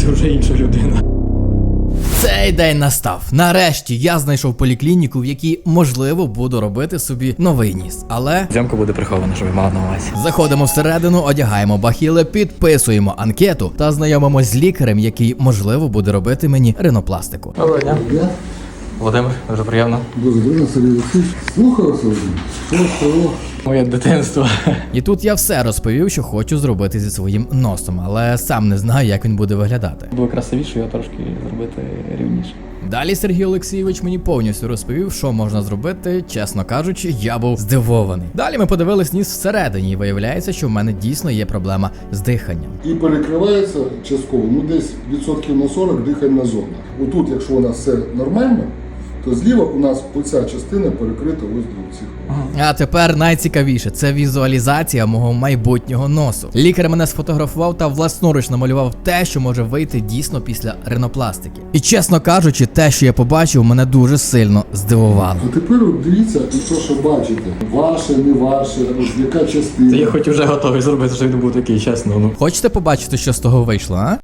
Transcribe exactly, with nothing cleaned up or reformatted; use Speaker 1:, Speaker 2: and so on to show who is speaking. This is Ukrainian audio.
Speaker 1: це вже інша людина.
Speaker 2: Цей день настав. Нарешті я знайшов поліклініку, в якій, можливо, буду робити собі новий ніс. Але
Speaker 1: Зйомка буде прихована, щоб ви мали на увазі.
Speaker 2: заходимо всередину, одягаємо бахіли, підписуємо анкету та знайомимось з лікарем, який, можливо, буде робити мені ринопластику.
Speaker 1: Доброго дня.
Speaker 3: Я
Speaker 1: Володимир, дуже приємно.
Speaker 3: дуже добре, Сергій Олексійович. Слухаю вас, Володимир. Що, що?
Speaker 1: Моє дитинство.
Speaker 2: І тут я все розповів, що хочу зробити зі своїм носом, але сам не знаю, як він буде виглядати.
Speaker 1: Було красивіше, його трошки зробити рівніше.
Speaker 2: Далі Сергій Олексійович мені повністю розповів, що можна зробити. Чесно кажучи, я був здивований. Далі ми подивились ніс всередині, і виявляється, що в мене дійсно є проблема з диханням.
Speaker 3: І перекривається частково, ну десь відсотків на сорок дихальна зона. Отут, якщо у нас все нормально, то зліва у нас оця частина перекрита ось до цих.
Speaker 2: А тепер найцікавіше – це візуалізація мого майбутнього носу. Лікар мене сфотографував та власноруч намалював те, що може вийти дійсно після ринопластики. І чесно кажучи, те, що я побачив, мене дуже сильно здивувало.
Speaker 3: А тепер от дивіться, і то, що бачите, ваше, не ваше, ось яка частина.
Speaker 1: Та я хоч вже готовий зробити, щоб він був такий, чесно. Ну.
Speaker 2: Хочете побачити, що з того вийшло, а?